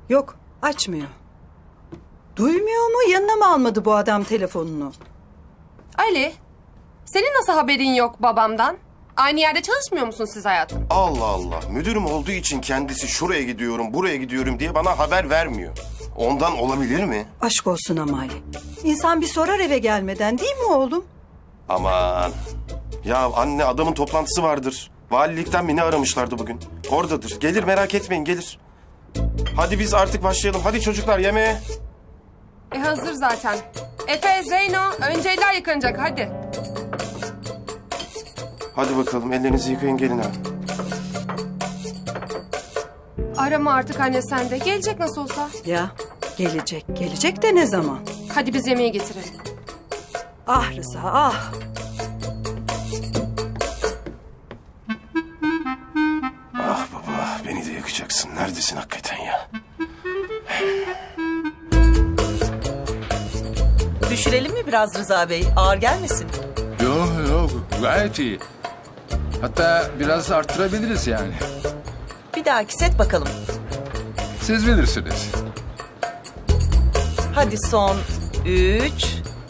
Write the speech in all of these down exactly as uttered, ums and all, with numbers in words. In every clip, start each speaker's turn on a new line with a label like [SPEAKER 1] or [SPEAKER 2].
[SPEAKER 1] Yok, açmıyor. Duymuyor mu? Yanına mı almadı bu adam telefonunu?
[SPEAKER 2] Ali, senin nasıl haberin yok babamdan? Aynı yerde çalışmıyor musun siz hayatım?
[SPEAKER 3] Allah Allah. Müdürüm olduğu için kendisi şuraya gidiyorum, buraya gidiyorum diye bana haber vermiyor. Ondan olabilir mi?
[SPEAKER 1] Aşk olsun ama Ali. İnsan bir sorar eve gelmeden, değil mi oğlum?
[SPEAKER 3] Aman. Ya anne, adamın toplantısı vardır. Valilikten beni aramışlardı bugün. Oradadır. Gelir, merak etmeyin, gelir. Hadi biz artık başlayalım. Hadi çocuklar, yemeğe.
[SPEAKER 2] E hazır zaten. Efe, Zeyno, önce eller yıkanacak hadi.
[SPEAKER 3] Hadi bakalım, ellerinizi yıkayın, gelin ha.
[SPEAKER 2] Arama artık anne sen de. Gelecek nasıl olsa.
[SPEAKER 1] Ya, gelecek. Gelecek de ne zaman?
[SPEAKER 2] Hadi biz yemeği getirelim.
[SPEAKER 1] Ah Rıza, ah.
[SPEAKER 3] Ah baba, beni de yakacaksın. Neredesin hakikaten ya?
[SPEAKER 4] Düşürelim mi biraz Rıza Bey? Ağır gelmesin.
[SPEAKER 5] Yok yok gayet iyi. Hatta biraz arttırabiliriz yani.
[SPEAKER 4] Bir dahaki set bakalım.
[SPEAKER 5] Siz bilirsiniz.
[SPEAKER 4] Hadi son üç,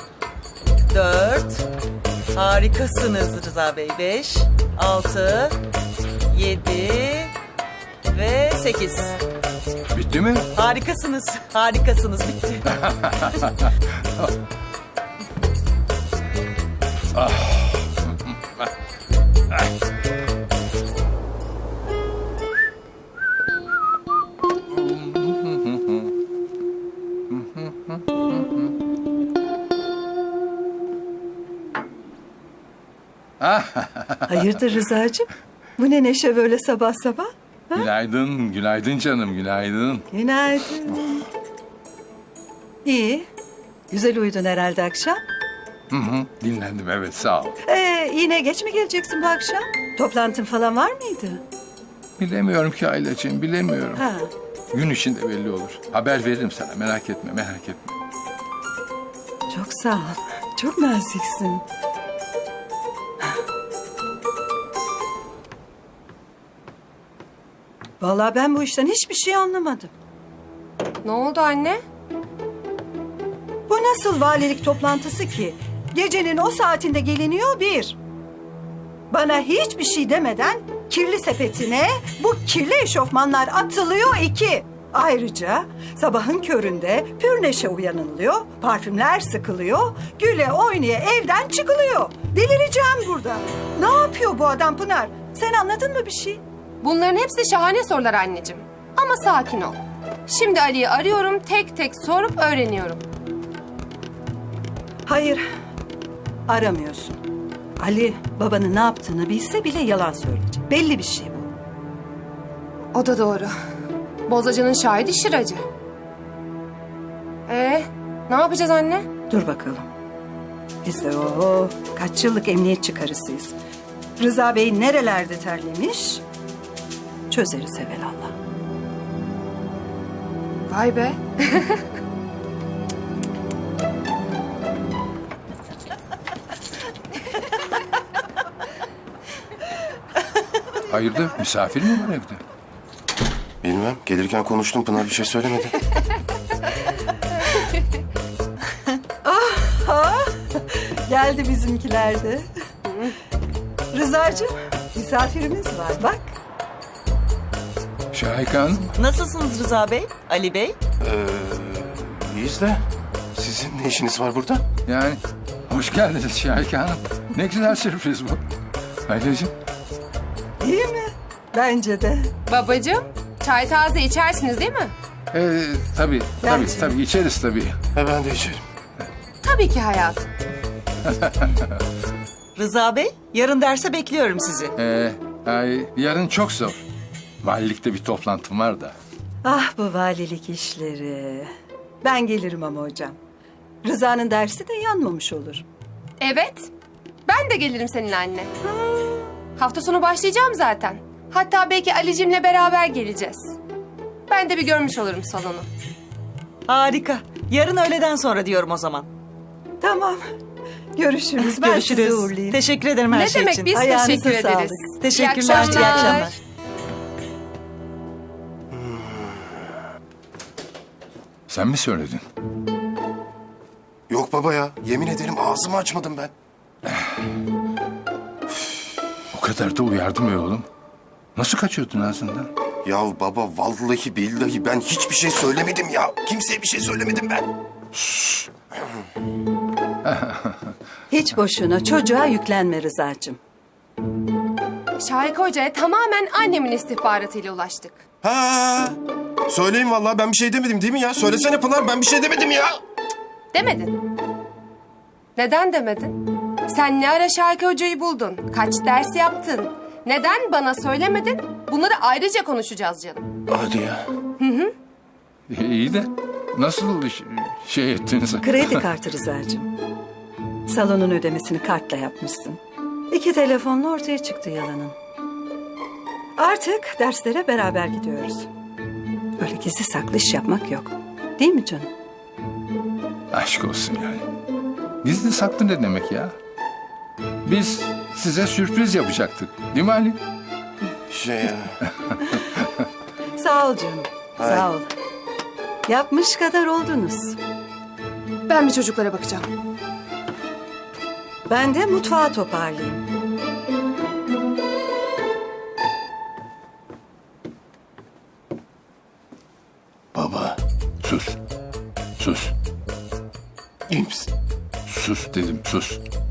[SPEAKER 4] dört. Harikasınız Rıza Bey. Beş, altı, yedi ve sekiz.
[SPEAKER 5] Bitti mi?
[SPEAKER 4] Harikasınız. Harikasınız. Bitti.
[SPEAKER 1] Hayırdır Rıza'cığım? Bu ne neşe böyle sabah sabah?
[SPEAKER 5] Günaydın, günaydın canım, günaydın.
[SPEAKER 1] Günaydın. İyi. Güzel uyudun herhalde akşam.
[SPEAKER 5] Hı hı, dinlendim evet sağ ol.
[SPEAKER 1] Ee, yine geç mi geleceksin bu akşam? Toplantın falan var mıydı?
[SPEAKER 5] Bilemiyorum ki Aylacığım, bilemiyorum.
[SPEAKER 1] Ha.
[SPEAKER 5] Gün içinde belli olur. Haber veririm sana, merak etme, merak etme.
[SPEAKER 1] Çok sağ ol. Çok naziksin. Vallahi ben bu işten hiçbir şey anlamadım.
[SPEAKER 2] Ne oldu anne?
[SPEAKER 1] Bu nasıl valilik toplantısı ki? Gecenin o saatinde geliniyor bir. Bana hiçbir şey demeden kirli sepetine bu kirli eşofmanlar atılıyor iki. Ayrıca sabahın köründe pür neşe uyanılıyor, parfümler sıkılıyor, güle oynaya evden çıkılıyor. Delireceğim burada. Ne yapıyor bu adam Pınar? Sen anladın mı bir şey?
[SPEAKER 2] Bunların hepsi şahane sorular anneciğim. Ama sakin ol. Şimdi Ali'yi arıyorum, tek tek sorup öğreniyorum.
[SPEAKER 1] Hayır, aramıyorsun. Ali babanın ne yaptığını bilse bile yalan söyleyecek. Belli bir şey bu.
[SPEAKER 2] O da doğru. Bozacının şahidi Şıracı. Ee, ne yapacağız anne?
[SPEAKER 1] Dur bakalım. Biz de o kaç yıllık emniyetçi karısıyız. Rıza Bey nerelerde terlemiş? Çözeriz evelallah.
[SPEAKER 2] Vay be.
[SPEAKER 5] Hayırdır, misafir mi var evde?
[SPEAKER 3] Bilmem, gelirken konuştum, Pınar bir şey söylemedi.
[SPEAKER 1] Geldi bizimkiler de. Rıza'cığım misafirimiz var bak.
[SPEAKER 5] Şahika Hanım,
[SPEAKER 4] Nasılsınız Rıza Bey? Ali Bey?
[SPEAKER 3] Ee, iyiyiz de sizin ne işiniz var burada?
[SPEAKER 5] yani hoş geldiniz Şahika Hanım. Ne güzel sürpriz bu. Aylacığım,
[SPEAKER 1] Değil mi? Bence de.
[SPEAKER 2] Babacığım, çay taze içersiniz değil mi?
[SPEAKER 5] ee, tabii, tabii,
[SPEAKER 1] Bence.
[SPEAKER 5] tabii içeriz tabii.
[SPEAKER 3] He, ben de içerim.
[SPEAKER 2] Tabii ki hayatım.
[SPEAKER 4] Rıza Bey, yarın derse bekliyorum sizi.
[SPEAKER 5] Ee, ay, yarın çok zor. Valilikte bir toplantım var da.
[SPEAKER 1] Ah bu valilik işleri. Ben gelirim ama hocam. Rıza'nın dersi de yanmamış olur.
[SPEAKER 2] Evet. Ben de gelirim seninle anne. Hafta sonu başlayacağım zaten. Hatta belki Ali'cimle beraber geleceğiz. Ben de bir görmüş olurum salonu.
[SPEAKER 4] Harika. Yarın öğleden sonra diyorum o zaman.
[SPEAKER 1] Tamam. Görüşürüz. Ben sizi
[SPEAKER 4] Görüşürüz.
[SPEAKER 1] uğurlayayım.
[SPEAKER 4] Teşekkür ederim her
[SPEAKER 2] Ne
[SPEAKER 4] şey
[SPEAKER 2] demek
[SPEAKER 4] için.
[SPEAKER 2] biz
[SPEAKER 1] Ayağınıza
[SPEAKER 2] teşekkür
[SPEAKER 1] sağlık.
[SPEAKER 2] ederiz.
[SPEAKER 4] Teşekkürler.
[SPEAKER 2] İyi
[SPEAKER 4] İyi akşamlar.
[SPEAKER 5] Sen mi söyledin?
[SPEAKER 3] Yok baba ya. Yemin ederim ağzımı açmadım ben.
[SPEAKER 5] O kadar da uyardım ya oğlum. Nasıl kaçıyordun ağzından?
[SPEAKER 3] Ya baba vallahi billahi ben hiçbir şey söylemedim ya. Kimseye bir şey söylemedim ben.
[SPEAKER 1] Hiç boşuna çocuğa yüklenme Rıza'cığım.
[SPEAKER 2] Şahika Hoca'ya tamamen annemin istihbaratıyla ulaştık.
[SPEAKER 3] Ha. Söyleyin vallahi ben bir şey demedim değil mi ya? Söylesene Pınar ben bir şey demedim ya.
[SPEAKER 2] Demedin. Neden demedin? Sen ne ara Şahika Hoca'yı buldun? Kaç ders yaptın? Neden bana söylemedin? Bunları ayrıca konuşacağız canım.
[SPEAKER 5] Hadi ya. Hı hı. İyi de nasıl ş- şey ettiniz?
[SPEAKER 1] Kredi kartı Rıza'cığım. Salonun ödemesini kartla yapmışsın. İki telefonla ortaya çıktı yalanın. Artık derslere beraber gidiyoruz. Öyle gizli saklı iş yapmak yok. Değil mi canım?
[SPEAKER 5] Aşk olsun yani. Gizli saklı ne demek ya? Biz size sürpriz yapacaktık. Değil mi Ali?
[SPEAKER 3] Şey ya.
[SPEAKER 1] Sağ ol canım. Sağ ol. Yapmış kadar oldunuz.
[SPEAKER 2] Ben bir çocuklara bakacağım.
[SPEAKER 1] Ben de mutfağı toparlayayım.
[SPEAKER 3] Baba.
[SPEAKER 5] Sus. Sus.
[SPEAKER 3] İyi misin?
[SPEAKER 5] Sus dedim sus.